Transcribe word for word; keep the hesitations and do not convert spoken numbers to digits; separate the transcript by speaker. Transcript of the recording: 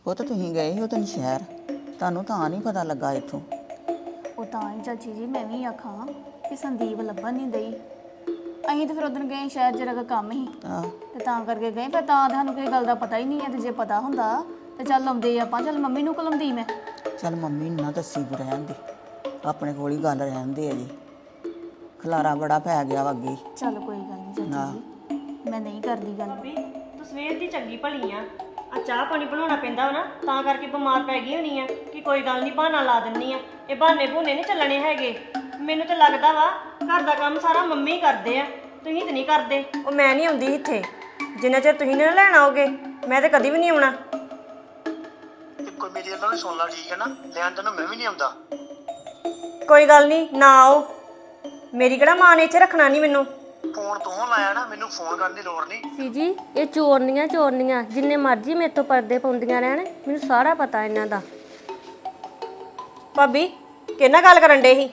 Speaker 1: ਪੁੱਤ ਤੁਸੀਂ ਗਏ ਸੀ ਉਹ ਦਿਨ ਸ਼ਹਿਰ, ਤੁਹਾਨੂੰ ਤਾਂ ਨਹੀਂ ਪਤਾ ਲੱਗਾ ਇੱਥੋਂ।
Speaker 2: ਉਹ ਤਾਂ ਹੀ ਚਾਚੀ ਜੀ ਮੈਂ ਵੀ ਆਖਾਂ ਕਿ ਸੰਦੀਪ ਲੱਭਣ ਨਹੀਂ ਦਈ। ਅਸੀਂ ਤਾਂ ਫਿਰ ਉਦੋਂ ਗਏ ਸ਼ਹਿਰ ਜਰਾ ਕੁ ਕੰਮ ਸੀ
Speaker 1: ਆਹ
Speaker 2: ਤੇ ਤਾਂ ਕਰਕੇ ਗਏ, ਫਿਰ ਤਾਂ ਸਾਨੂੰ ਕੋਈ ਗੱਲ ਦਾ ਪਤਾ ਹੀ ਨਹੀਂ ਹੈ। ਤੇ ਜੇ ਪਤਾ ਹੁੰਦਾ ਤੇ ਚੱਲ ਆਉਂਦੇ ਆਪਾਂ, ਚੱਲ ਮੰਮੀ ਨੂੰ ਕਲਮਦੀ ਮੈਂ।
Speaker 1: ਚੱਲ ਮੰਮੀ ਨੂੰ ਨਾ ਦੱਸੀ ਤੂੰ, ਰਹਿਣ ਦੇ, ਆਪਣੇ ਕੋਲ ਹੀ ਗੱਲ ਰਹਿਣ ਦੇ ਅਜੇ, ਖਲਾਰਾ ਬੜਾ ਪੈ ਗਿਆ ਵਾ ਅੱਗੇ।
Speaker 2: ਚੱਲ ਕੋਈ ਗੱਲ ਨਹੀਂ ਚਾਚੀ ਜੀ, ਮੈਂ ਨਹੀਂ ਕਰਦੀ ਗੱਲ।
Speaker 3: ਭਾਬੀ ਤੂੰ ਸਵੇਰ ਦੀ ਚੰਗੀ ਭਲੀ ਆ, ਆ ਚਾਹ ਪਾਣੀ ਬਣਾਉਣਾ ਪੈਂਦਾ ਵਾ ਨਾ, ਤਾਂ ਕਰਕੇ ਬਿਮਾਰ ਪੈ ਗਈ ਹੋਣੀ ਆ ਕਿ ਕੋਈ ਗੱਲ ਨਹੀਂ ਬਹਾਨਾ ਲਾ ਦਿੰਨੀ ਆ। ਇਹ ਬਹਾਨੇ ਬਹੂਨੇ ਨਹੀਂ ਚੱਲਣੇ ਹੈਗੇ। ਮੈਨੂੰ ਤਾਂ ਲੱਗਦਾ ਵਾ ਘਰ ਦਾ ਕੰਮ ਸਾਰਾ ਮੰਮੀ ਕਰਦੇ ਆ, ਤੁਸੀਂ ਤਾਂ ਨਹੀਂ ਕਰਦੇ। ਉਹ ਮੈਂ ਨਹੀਂ ਆਉਂਦੀ ਇੱਥੇ ਜਿੰਨਾ ਚਿਰ ਤੁਸੀਂ ਨਾ ਲੈਣ ਆਓਗੇ, ਮੈਂ ਤਾਂ ਕਦੀ ਵੀ ਨਹੀਂ ਆਉਣਾ।
Speaker 4: ਕੋਈ ਮੇਰੀ ਗੱਲਾਂ ਨੂੰ ਸੁਣ ਲਾ, ਠੀਕ ਹੈ ਨਾ? ਲੈਣ ਤੈਨੂੰ ਮੈਂ ਵੀ ਨਹੀਂ ਆਉਂਦਾ।
Speaker 3: ਕੋਈ ਗੱਲ ਨਹੀਂ, ਨਾ ਆਓ। ਮੇਰੀ ਕਿਹੜਾ ਮਾਂ ਨੇ ਇੱਥੇ ਰੱਖਣਾ ਨਹੀਂ ਮੈਨੂੰ।
Speaker 4: ਫੋਨ ਤੂੰ ਲਾਇਆ ਨਾ, ਮੈਨੂੰ ਫੋਨ ਕਰਨ ਦੀ ਲੋੜ ਨਹੀਂ।
Speaker 5: ਸੀ ਜੀ ਇਹ ਚੋਰਨੀਆਂ ਚੋਰਨੀਆਂ ਜਿੰਨੇ ਮਰਜ਼ੀ ਮੇਰੇ ਤੋਂ ਪਰਦੇ ਪਾਉਂਦੀਆਂ ਰਹਿਣ, ਮੈਨੂੰ ਸਾਰਾ ਪਤਾ ਇਹਨਾਂ ਦਾ।
Speaker 3: ਭਾਬੀ ਕਿਹਨਾਂ ਗੱਲ ਕਰਨ ਡੇ ਸੀ?